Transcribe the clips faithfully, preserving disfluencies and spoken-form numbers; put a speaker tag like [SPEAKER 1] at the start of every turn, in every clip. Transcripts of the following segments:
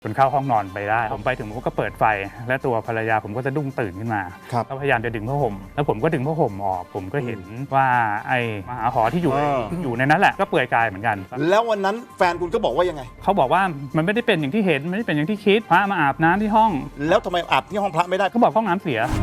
[SPEAKER 1] คุณเข้าห้องนอนไปได้ผมไปถึงผมก็เปิดไฟและตัวภรรยาผมก็จะดุ้งตื่นขึ้นมาก็พยายามจะดึงผ้าห่มแล้วผมก็ดึงผ้าห่มออกผมก็เห็นว่าไอ้มหาหอที่อยู่อยู่ในนั้นแหละก็เปลือยกายเหมือนกัน
[SPEAKER 2] แล้ววันนั้นแฟนคุณก็บอกว่ายังไง
[SPEAKER 1] เขาบอกว่ามันไม่ได้เป็นอย่างที่เห็นไม่ได้เป็นอย่างที่คิดพระมาอาบน้ำที่ห้อง
[SPEAKER 2] แล้วทำไมอาบที่ห้องพระไม่ได้
[SPEAKER 1] เขาบอกห้องน้ำเสีย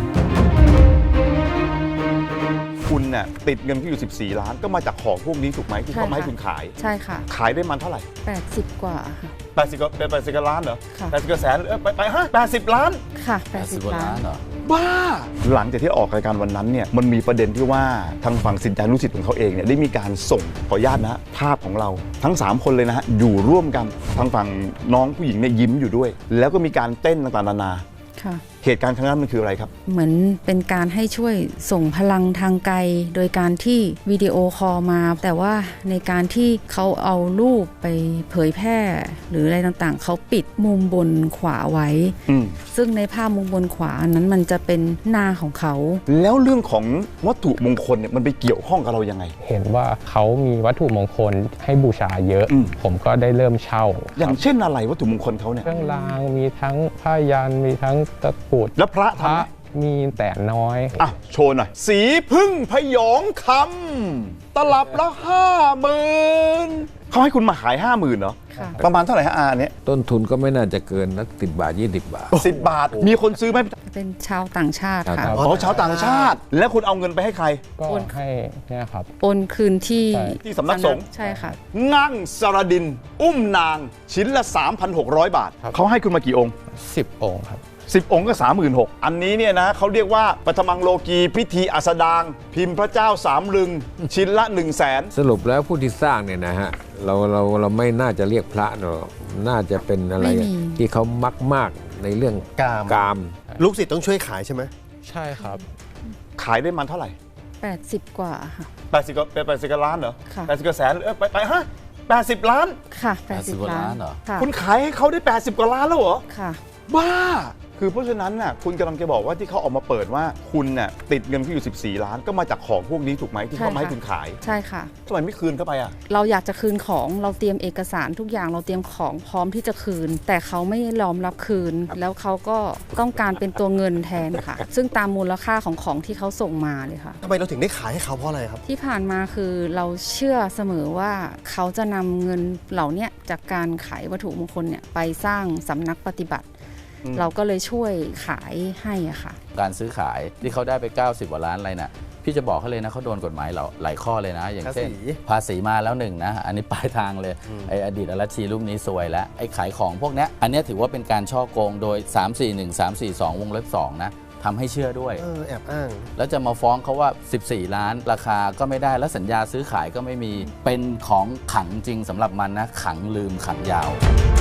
[SPEAKER 2] คุณเนี่ยติดเงินที่อยู่สิบสี่ล้านก็มาจากของพวกนี้ถูกไหมที่เขาให้คุณขาย
[SPEAKER 3] ใช่ค่ะ
[SPEAKER 2] ขายได้มันเท่าไหร่
[SPEAKER 3] แปดสิบกว่าค่ะ
[SPEAKER 2] แปดสิบก็เป็นแปดสิบล้านเหรอแปดสิบแสนเออไปไปฮะแปดสิบล้าน
[SPEAKER 3] ค่ะแปดสิบล้าน
[SPEAKER 2] เหรอบ้าหลังจากที่ออกรายการวันนั้นเนี่ยมันมีประเด็นที่ว่าทางฝั่งสินใจลูกศิษย์ของเขาเองเนี่ยได้มีการส่งขออนุญาตนะภาพของเราทั้งสามคนเลยนะฮะอยู่ร่วมกันทางฝั่งน้องผู้หญิงเนี่ยยิ้มอยู่ด้วยแล้วก็มีการเต้นต่างๆนานาเหตุการณ์ครั้งนั้นมันคืออะไรครับ
[SPEAKER 3] เหมือนเป็นการให้ช่วยส่งพลังทางไกลโดยการที่วิดีโอคอลมาแต่ว่าในการที่เขาเอารูปไปเผยแพร่หรืออะไรต่างๆเขาปิดมุมบนขวาไว้ซึ่งในภาพมุมบนขวานั้นมันจะเป็นหน้าของเขา
[SPEAKER 2] แล้วเรื่องของวัตถุมงคลเนี่ยมันไปเกี่ยวข้องกับเรายังไง
[SPEAKER 4] เห็นว่าเขามีวัตถุมงคลให้บูชาเยอะผมก็ได้เริ่มเช่า
[SPEAKER 2] อย่างเช่นอะไรวัตถุมงคลเขาเนี่ย
[SPEAKER 4] เครื่องรางมีทั้งผ้ายันมีทั้งตะกรุด
[SPEAKER 2] แล้วพระทำไหม
[SPEAKER 4] มีแต่น้อย
[SPEAKER 2] อ่ะโชว์หน่อยสีพึ่งพยองคำตลับละห้าหมื่นเขาให้คุณมาขายห้าหมื่นเหรอประมาณเท่าไหร่ฮะอาเนี่ย
[SPEAKER 5] ต้นทุนก็ไม่น่าจะเกินนักสิบบาทยี่สิบบาท
[SPEAKER 2] สิบบาทมีคนซื้อไหม
[SPEAKER 3] เป็นชาวต่างชาติค่ะ
[SPEAKER 2] อ๋อชาวต่างชาติแล้วคุณเอาเงินไปให้ใคร
[SPEAKER 4] ก็ให้เนี่ยครับ
[SPEAKER 3] โอนคืนที่
[SPEAKER 2] ที่สำนักสงฆ์
[SPEAKER 3] ใช่ค่ะ
[SPEAKER 2] งั่งสรดินอุ้มนางชิ้นละ สามพันหกร้อย บาทเขาให้คุณมากี่องค์
[SPEAKER 4] สิบองค์ครับ
[SPEAKER 2] สิบองค์ก็ สามหมื่นหกพัน อันนี้เนี่ยนะเขาเรียกว่าปฐมังโลกีพิธีอัสดางพิมพ์พระเจ้าสามลึงชิ้นละ หนึ่งแสน
[SPEAKER 5] สรุปแล้วผู้ที่สร้างเนี่ยนะฮะเราเราเราไม่น่าจะเรียกพระเนอะน่าจะเป็นอะไรที่เขามักมากในเรื่องกามกาม
[SPEAKER 6] ลูกศิษย์ต้องช่วยขายใช่ไหม
[SPEAKER 4] ใช่ครับ
[SPEAKER 2] ขายได้มันเท่าไหร่
[SPEAKER 3] แปดสิบกว่าค่ะ
[SPEAKER 2] แปดสิบก็เป็นแปดสิบล้านเหรอแปดสิบแสนเออไปไปฮะแปดสิบล้าน
[SPEAKER 3] ค่ะแปดสิบล้าน
[SPEAKER 2] เหรอคุณขายให้เขาได้แปดสิบกว่าล้านแล้วเหรอ
[SPEAKER 3] ค่ะ
[SPEAKER 2] บ้าคือเพราะฉะนั้นน่ะคุณกำลังจะบอกว่าที่เขาออกมาเปิดว่าคุณน่ะติดเงินที่อยู่สิบสี่ล้านก็มาจากของพวกนี้ถูกไหมที่เขาให้คุณขาย
[SPEAKER 3] ใช่ค่ะ
[SPEAKER 2] ทำไมไม่คืนเข้าไปอ่ะ
[SPEAKER 3] เราอยากจะคืนของเราเตรียมเอกสารทุกอย่างเราเตรียมของพร้อมที่จะคืนแต่เขาไม่ยอมรับคืนแล้วเขาก็ต้องการเป็นตัวเงินแทนค่ะซึ่งตามมูลค่าของของที่เขาส่งมาเลยค่ะ
[SPEAKER 6] ทำไมเราถึงได้ขายให้เขาเพราะอะไรครับ
[SPEAKER 3] ที่ผ่านมาคือเราเชื่อเสมอว่าเขาจะนำเงินเหล่านี้จากการขายวัตถุมงคลเนี่ยไปสร้างสำนักปฏิบัติเราก็เลยช่วยขายให้อะค่ะ
[SPEAKER 7] การซื้อขายที่เขาได้ไปเก้าสิบกว่าล้านอะไรน่ะพี่จะบอกเขาเลยนะเขาโดนกฎหมายเราหลายข้อเลยนะอย่างเช่นภาษีมาแล้วหนึ่งนะอันนี้ปลายทางเลยไออดีตอรัชชีรูปนี้ซวยแล้วไอขายของพวกนี้อันนี้ถือว่าเป็นการช่อโกงโดยสาม สี่ หนึ่ง สาม สี่ สองวงเล็บสองนะทำให้เชื่อด้วย
[SPEAKER 6] เออแอบอ้าง
[SPEAKER 7] แล้วจะมาฟ้องเขาว่าสิบสี่ล้านราคาก็ไม่ได้แล้วสัญญาซื้อขายก็ไม่มีเป็นของขังจริงสำหรับมันนะขังลืมขังยาว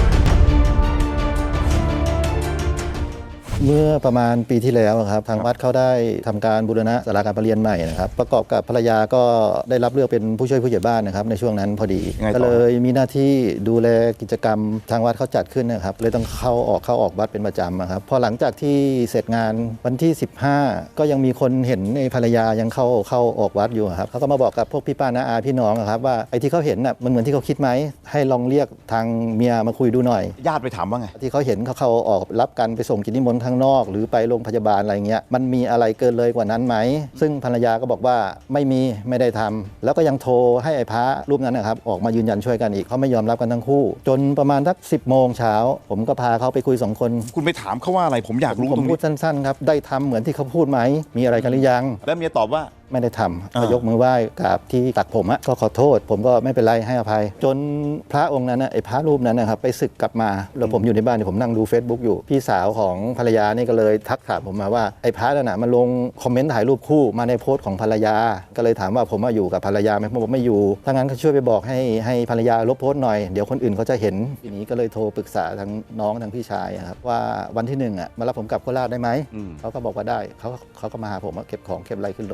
[SPEAKER 8] เมื่อประมาณปีที่แล้วครับทางวัดเขาได้ทำการบูรณะศาลาการประเรียนใหม่นะครับประกอบกับภรรยาก็ได้รับเลือกเป็นผู้ช่วยผู้ใหญ่บ้านนะครับในช่วงนั้นพอดีก็เลยมีหน้าที่ดูแลกิจกรรมทางวัดเขาจัดขึ้นนะครับเลยต้องเข้าออกเข้าออกวัดเป็นประจำครับพอหลังจากที่เสร็จงานวันที่สิบห้าก็ยังมีคนเห็นในภรรยายังเข้าเข้าออกวัดอยู่ครับเขาก็มาบอกกับพวกพี่ป้าน้าอาพี่น้องครับว่าไอ้ที่เขาเห็นน่ะมันเหมือนที่เขาคิดไหมให้ลองเรียกทางเมียมาคุยดูหน่อย
[SPEAKER 2] ญาติไปถามว่าไง
[SPEAKER 8] ที่เขาเห็นเขาเข้าออกรับกันไปส่งกิจนิมนต์ข้างนอกหรือไปโรงพยาบาลอะไรเงี้ยมันมีอะไรเกินเลยกว่านั้นไหมซึ่งภรรยาก็บอกว่าไม่มีไม่ได้ทำแล้วก็ยังโทรให้ไอ้พระรูปนั้นนะครับออกมายืนยันช่วยกันอีกเขาไม่ยอมรับกันทั้งคู่จนประมาณสักสิบโมงเช้าผมก็พาเขาไปคุยสองคน
[SPEAKER 2] คุณไปถามเขาว่าอะไรผมอยากรู้
[SPEAKER 8] ผมพูดสั้นๆครับได้ทำเหมือนที่เขาพูดไหมมีอะไรกันหรือยัง
[SPEAKER 2] แล้วเมียตอบว่า
[SPEAKER 8] ไม่ได้ทำก็ยกมือไหว้กับที่ตักผมอะก็ขอโทษผมก็ไม่เป็นไรให้อภัยจนพระองค์นั้นไอ้พระรูปนั้นนะครับไปศึกกลับมาแล้วผมอยู่ในบ้านผมนั่งดู Facebook อยู่พี่สาวของภรรยานี่ก็เลยทักถามผมมาว่าไอ้พระนั่นน่ะมันลงคอมเมนต์ถ่ายรูปคู่มาในโพสต์ของภรรยาก็เลยถามว่าผมมาอยู่กับภรรยาไหมผมบอกไม่อยู่ถ้างั้นก็ช่วยไปบอกให้ให้ภรรยาลบโพสต์หน่อยเดี๋ยวคนอื่นเขาจะเห็นทีนี้ก็เลยโทรปรึกษาทั้งน้องทั้งพี่ชายครับว่าวันที่หนึ่งอ่ะมารับผมกลับโคราชได้ไหมเขาก็บอกว่าได้เขาเขาก็มาหาผมเก็บของเก็บอะไรขึ้นรถแต่ว่าผม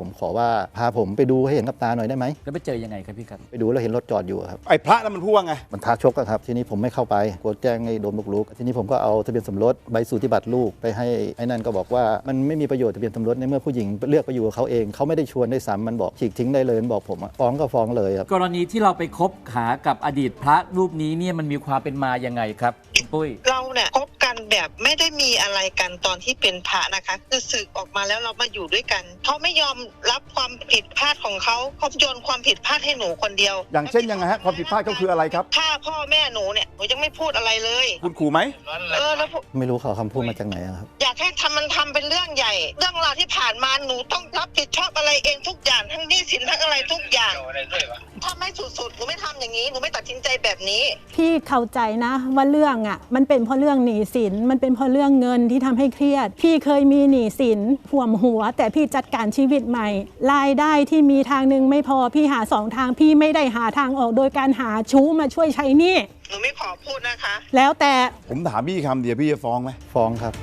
[SPEAKER 8] ผมขอว่าพาผมไปดูให้เห็นกับตาหน่อยได้ไหม
[SPEAKER 7] แล้วไปเจอยังไงครับพี่ครับ
[SPEAKER 8] ไปดูแล้วเห็นรถจอดอยู่ครับ
[SPEAKER 2] ไอ้พระนั้นมันพูดว่าไง
[SPEAKER 8] มันท้าชกอะครับทีนี้ผมไม่เข้าไปกลัวแจ้งให้โดนบุกรุกทีนี้ผมก็เอาทะเบียนสมรสใบสูติบัตรลูกไปให้ไอ้นั่นก็บอกว่ามันไม่มีประโยชน์ทะเบียนสมรสในเมื่อผู้หญิงเลือกไปอยู่กับเขาเองเขาไม่ได้ชวนได้ซ้ำมันบอกฉีกทิ้งได้เลยมันบอกผมอะฟ้องก็ฟ้องเลยครับ
[SPEAKER 9] กรณีที่เราไปคบหากับอดีตพระรูปนี้เนี่ยมันมีความเป็นมายังไงครับคุณปุ้ย
[SPEAKER 10] เราเนี่ยคบกันแบบไม่ได้มีอะไรกันตอนที่เป็นพระนะคะคือสึกออกมาแล้วเรามาอยู่ด้วยกันเขาไม่ยอมรับความผิดพลาดของเขาเขาโยนความผิดพลาดให้หนูคนเดียว
[SPEAKER 2] อย่างเช่นยังไงฮะความผิดพลาดก็คืออะไรครับ
[SPEAKER 10] ฆ่าพ่อแม่หนูเนี่ยหนูยังไม่พูดอะไรเลย
[SPEAKER 2] คุณขู่ไหม
[SPEAKER 10] เออแล้ว
[SPEAKER 8] ไม่รู้เขาคำพูดมาจากไหนครับ
[SPEAKER 10] อยากให้ทำมันทำเป็นเรื่องใหญ่เรื่องราวที่ผ่านมาหนูต้องรับผิดชอบอะไรเองทุกอย่างทั้งหนี้สินทั้งอะไรทุกอย่างถ้าไม่สุดๆหนูไม่ทำอย่างนี้หนูไม่ตัดสินใจแบบนี้
[SPEAKER 11] พี่เข้าใจนะว่าเรื่องอ่ะมันเป็นเพราะเรื่องหนี้สินมันเป็นเพราะเรื่องเงินที่ทำให้เครียดพี่เคยมีหนี้สินห่วมหัวแต่พี่จัดการชีวิตใหม่รายได้ที่มีทางนึงไม่พอพี่หาสองทางพี่ไม่ได้หาทางออกโดยการหาชู้มาช่วยใช้หนี้
[SPEAKER 10] หนูไม่ขอพูดนะคะ
[SPEAKER 11] แล้วแต่
[SPEAKER 2] ผมถามพี่คำเดียวพี่จะฟ้องไหม
[SPEAKER 8] ฟ้องครับ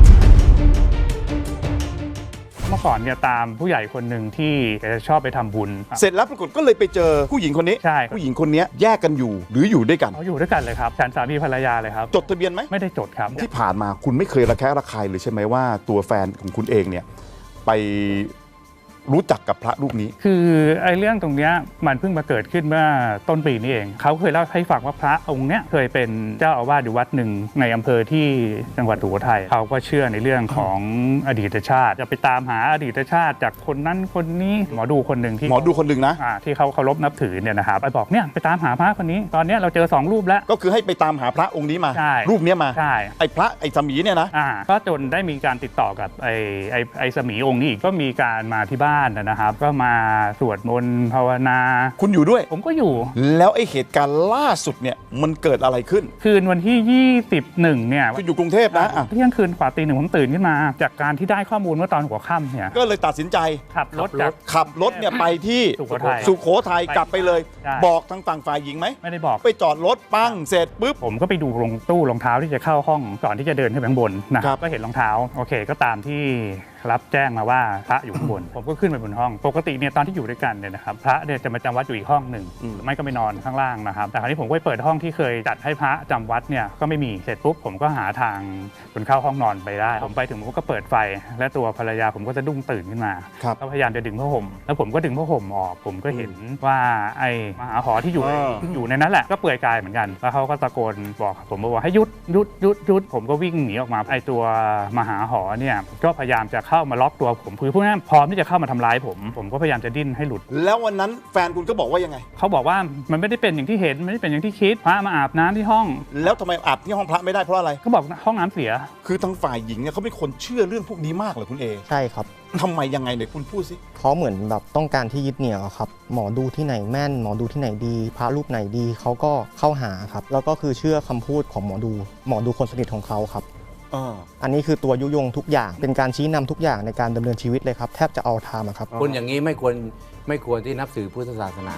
[SPEAKER 1] เมื่อก่อนเนี่ยตามผู้ใหญ่คนหนึ่งที่แกจะชอบไปทำบุญ
[SPEAKER 2] เสร็จแล้วปรากฏก็เลยไปเจอผู้หญิงคนนี้
[SPEAKER 1] ใช่
[SPEAKER 2] ผู้หญิงคนนี้แยกกันอยู่หรืออยู่ด้วยกัน
[SPEAKER 1] เขาอยู่ด้วยกันเลยครับฉันสามีภรรยาเลยครับ
[SPEAKER 2] จดทะเบียนไหม
[SPEAKER 1] ไม่ได้จดครับ
[SPEAKER 2] ที่ผ่านมาคุณไม่เคยระแคะระคายเลยใช่ไหมว่าตัวแฟนของคุณเองเนี่ยไปรู้จักกับพระรูปนี้
[SPEAKER 1] คือไอ้เรื่องตรงเนี้ยมันเพิ่งมาเกิดขึ้นเมื่อต้นปีนี้เองเขาเคยเล่าให้ฟังว่าพระองค์เนี้ยเคยเป็นเจ้าอาวาสอยู่วัดหนึ่งในอำเภอที่จังหวัดสุโขทัยเขาก็เชื่อในเรื่องของอดีตชาติจะไปตามหาอดีตชาติจากคนนั้นคนนี้หมอดูคนหนึ่งที่
[SPEAKER 2] หมอดูคนหนึ่งนะ
[SPEAKER 1] ที่เขาเคารพนับถือเนี่ยนะครับไปบอกเนี่ยไปตามหาพระคนนี้ตอนนี้เราเจอสองรูปแล้ว
[SPEAKER 2] ก็คือให้ไปตามหาพระองค์นี้มารูปนี้มา
[SPEAKER 1] ใช่
[SPEAKER 2] ไอ้พระไอ้สมีเนี่ยนะ
[SPEAKER 1] อ่าก็จนได้มีการติดต่อกับไอ้ไอ้ไอ้สมีองค์นี้อีกก็มีการมาที่บ้านนะครับก็มาสวดมนต์ภาวนา
[SPEAKER 2] คุณอยู่ด้วย
[SPEAKER 1] ผมก็อยู่
[SPEAKER 2] แล้วไอ้เหตุการณ์ล่าสุดเนี่ยมันเกิดอะไรขึ้น
[SPEAKER 1] คืนวันที่ยี่สิบเอ็ดเนี่ย
[SPEAKER 2] คุณอยู่กรุงเทพนะ
[SPEAKER 1] เที่ยงคืนกว่าตีหนึ่งผมตื่นขึ้นมาจากการที่ได้ข้อมูลเมื่อตอนหัวค่ำเนี่ย
[SPEAKER 2] ก็เลยตัดสินใจ
[SPEAKER 1] ขับรถจาก
[SPEAKER 2] ขับรถเนี่ยไปที่
[SPEAKER 1] สุโขทัย
[SPEAKER 2] สุโขทัยกลับไปเลยบอกทางฝั่งฝ่ายหญิงไหม
[SPEAKER 1] ไม่ได้บอก
[SPEAKER 2] ไปจอดรถปั้งเสร็จปุ๊บ
[SPEAKER 1] ผมก็ไปดูลงตู้รองเท้าที่จะเข้าห้องก่อนที่จะเดินขึ้นไปข้างบนนะครับก็เห็นรองเท้าโอเคก็ตามที่รับแจ้งมาว่าพระอยู่ข้างบนผมก็ขึ้นไปบนห้องปกติเนี่ยตอนที่อยู่ด้วยกันเนี่ยนะครับพระเนี่ยจะมาจำวัดอยู่อีกห้องหนึ่งไม่ก็ไปนอนข้างล่างนะครับแต่คราวนี้ผมก็ไปเปิดห้องที่เคยจัดให้พระจำวัดเนี่ยก็ไม่มีเสร็จปุ๊บผมก็หาทางจนเข้าห้องนอนไปได้ผมไปถึงผมก็เปิดไฟและตัวภรรยาผมก็จะดุ้งตื่นขึ้นมาก็พยายามจะดึงผ้าห่มแล้วผมก็ดึงผ้าห่มออกผมก็เห็นว่าไอ้มหาหอที่อยู่อยู่ในนั้นแหละก็เปลือยกายเหมือนกันแล้วเขาก็ตะโกนบอกผมบอกให้หยุดหยุดหยุดหยุดผมก็วิ่งหนีออกมาไอ้ตัวมหาหอเนี่ยก็พยายามจะเข้ามาล็อกตัวผมคือพวกนั้นพร้อมที่จะเข้ามาทำร้ายผมผมก็พยายามจะดิ้นให้หลุด
[SPEAKER 2] แล้ววันนั้นแฟนคุณก็บอกว่ายังไง
[SPEAKER 1] เขาบอกว่ามันไม่ได้เป็นอย่างที่เห็นไม่ได้เป็นอย่างที่คิดพระมาอาบน้ำที่ห้อง
[SPEAKER 2] แล้วทำไมอาบที่ห้องพระไม่ได้เพราะอะไร
[SPEAKER 1] เขาบอกห้องน้ำเสีย
[SPEAKER 2] คือทางฝ่ายหญิงเนี่ยเขาเป็นคนเชื่อเรื่องพวกนี้มากเหรอคุณเอ
[SPEAKER 12] ใช่ครับ
[SPEAKER 2] ทำไมยังไงเนี่ยคุณพูดสิ
[SPEAKER 12] เขาเหมือนแบบต้องการที่ยึดเหนี่ยวครับหมอดูที่ไหนแม่นหมอดูที่ไหนดีพระรูปไหนดีเขาก็เข้าหาครับแล้วก็คือเชื่อคำพูดของหมอดูหมอดูคนสนิทของเขาครับอันนี้คือตัวยุยงทุกอย่างเป็นการชี้นำทุกอย่างในการดำเนินชีวิตเลยครับแทบจะเอาทามครับ
[SPEAKER 5] คนอย่างนี้ไม่ควรไม่ควรที่นับถือพุทธศาสนา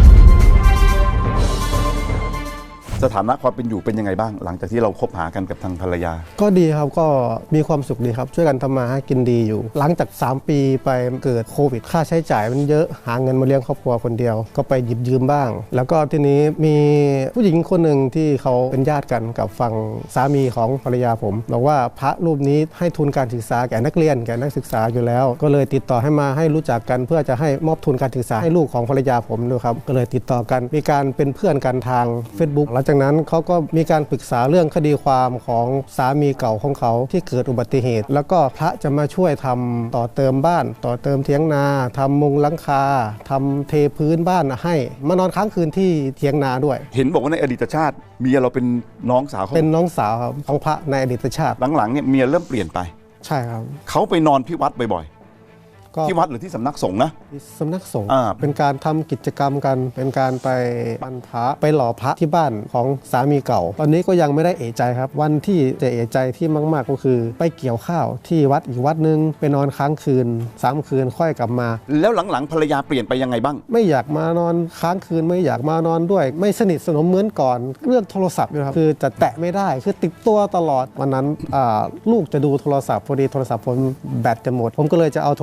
[SPEAKER 2] สถานะความเป็นอยู่เป็นยังไงบ้างหลังจากที่เราคบหากันกับทางภรรยา
[SPEAKER 13] ก็ดีครับก็มีความสุขดีครับช่วยกันทำมาหากินดีอยู่หลังจากสามปีไปเกิดโควิดค่าใช้จ่ายมันเยอะหาเงินมาเลี้ยงครอบครัวคนเดียวก็ไปหยิบยืมบ้างแล้วก็ทีนี้มีผู้หญิงคนหนึ่งที่เขาเป็นญาติกันกับฝั่งสามีของภรรยาผมบอกว่าพระรูปนี้ให้ทุนการศึกษาแก่นักเรียนแก่นักศึกษาอยู่แล้วก็เลยติดต่อให้มาให้รู้จักกันเพื่อจะให้มอบทุนการศึกษาให้ลูกของภรรยาผมด้วยครับก็เลยติดต่อกันมีการเป็นเพื่อนกันทาง Facebook หลังจากนั้นเขาก็มีการปรึกษาเรื่องคดีความของสามีเก่าของเขาที่เกิดอุบัติเหตุแล้วก็พระจะมาช่วยทำต่อเติมบ้านต่อเติมเถียงนาทำมุงหลังคาทำเทพื้นบ้านให้มานอนค้างคืนที่เถียงนาด้วย
[SPEAKER 2] เห็นบอกว่าในอดีตชาติเมียเราเป็นน้องสาวเขา
[SPEAKER 13] เป็นน้องสาวของพระในอดีตชาติ
[SPEAKER 2] หลังๆเนี่ยเมียเริ่มเปลี่ยนไป
[SPEAKER 13] ใช่ครับ
[SPEAKER 2] เขาไปนอนที่วัดบ่อยที่วัดหรือที่สำนักสงฆ์นะ
[SPEAKER 13] สำนักสงฆ์เป็นการทำกิจกรรมกันเป็นการไปบรรพระไปหล่อพระที่บ้านของสามีเก่าตอนนี้ก็ยังไม่ได้เอะใจครับวันที่จะเอะใจที่มากๆก็คือไปเกี่ยวข้าวที่วัดอีกวัดนึงไปนอนค้างคืนสามคืนค่อยกลับมา
[SPEAKER 2] แล้วหลังๆภรรยาเปลี่ยนไปยังไงบ้าง
[SPEAKER 13] ไม่อยากมานอนค้างคืนไม่อยากมานอนด้วยไม่สนิทสนมเหมือนก่อนเรื่องโทรศัพท์นะครับคือจะแตะไม่ได้คือติดตัวตลอดวันนั้นลูกจะดูโทรศัพท์พอดีโทรศัพท์ผมแบตจะหมดผมก็เลยจะเอาโทรศัพท์ข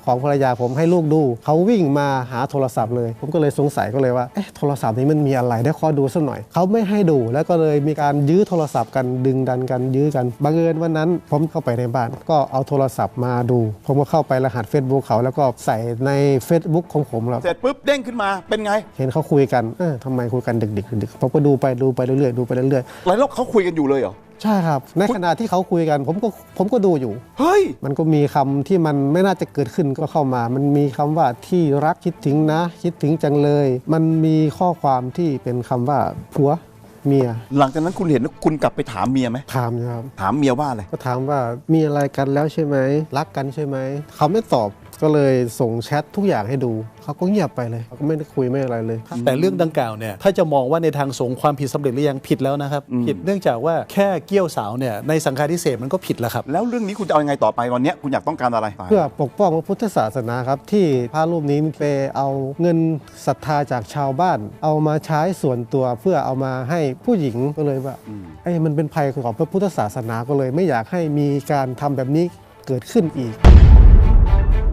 [SPEAKER 13] ของภรรยาผมให้ลูกดูเขาวิ่งมาหาโทรศัพท์เลยผมก็เลยสงสัยก็เลยว่าเอ๊ะโทรศัพท์นี้มันมีอะไรได้ขอดูสักหน่อยเขาไม่ให้ดูแล้วก็เลยมีการยื้อโทรศัพท์กันดึงดันกันยื้อกันบังเอิญวันนั้นผมเข้าไปในบ้านก็เอาโทรศัพท์มาดูผมก็เข้าไปรหัส Facebook เขาแล้วก็ใส่ใน Facebook ของผมแล้ว
[SPEAKER 2] เสร็จปุ๊บเด้งขึ้นมาเป็นไง
[SPEAKER 13] เห็นเขาคุยกันเออทำไมคุยกันดึกๆดึกๆผมก็ดูไปดูไปเรื่อยๆดูไปเรื่อย
[SPEAKER 2] ๆหลายรอบเขาคุยกันอยู่เลยเหรอ
[SPEAKER 13] ใช่ครับในขณะที่เขาคุยกันผมก็ผมก็ดูอยู่
[SPEAKER 2] เฮ้ย
[SPEAKER 13] มันก็มีคำที่มันไม่น่าจะเกิดขึ้นก็เข้ามามันมีคำว่าที่รักคิดถึงนะคิดถึงจังเลยมันมีข้อความที่เป็นคำว่าผัวเมีย
[SPEAKER 2] หลังจากนั้นคุณเห็นคุณกลับไปถามเมียไหม
[SPEAKER 13] ถามครับ
[SPEAKER 2] ถามเมียว่าอะไร
[SPEAKER 13] ก็ถามว่ามีอะไรกันแล้วใช่ไหมรักกันใช่ไหมเขาไม่ตอบก็เลยส่งแชททุกอย่างให้ดูเขาก็เงียบไปเลยเขาก็ไม่ได้คุยไม่อะไรเลย
[SPEAKER 14] แต่เรื่องดังกล่าวเนี่ยถ้าจะมองว่าในทางสงฆ์ความผิดสำเร็จหรือยังผิดแล้วนะครับผิดเนื่องจากว่าแค่เกี้ยวสาวเนี่ยในสังฆาทิเศษมันก็ผิดแล้วครับ
[SPEAKER 2] แล้วเรื่องนี้คุณจะเอายังไงต่อไปวันนี้คุณอยากต้องการอะไร
[SPEAKER 13] เพื่อปกป้องพระพุทธศาสนาครับที่พระรูปนี้ไปเอาเงินศรัทธาจากชาวบ้านเอามาใช้ส่วนตัวเพื่อเอามาให้ผู้หญิงก็เลยว่าไอ้มันเป็นภัยของพระพุทธศาสนาก็เลยไม่อยากให้มีการทำแบบนี้เกิดขึ้นอีก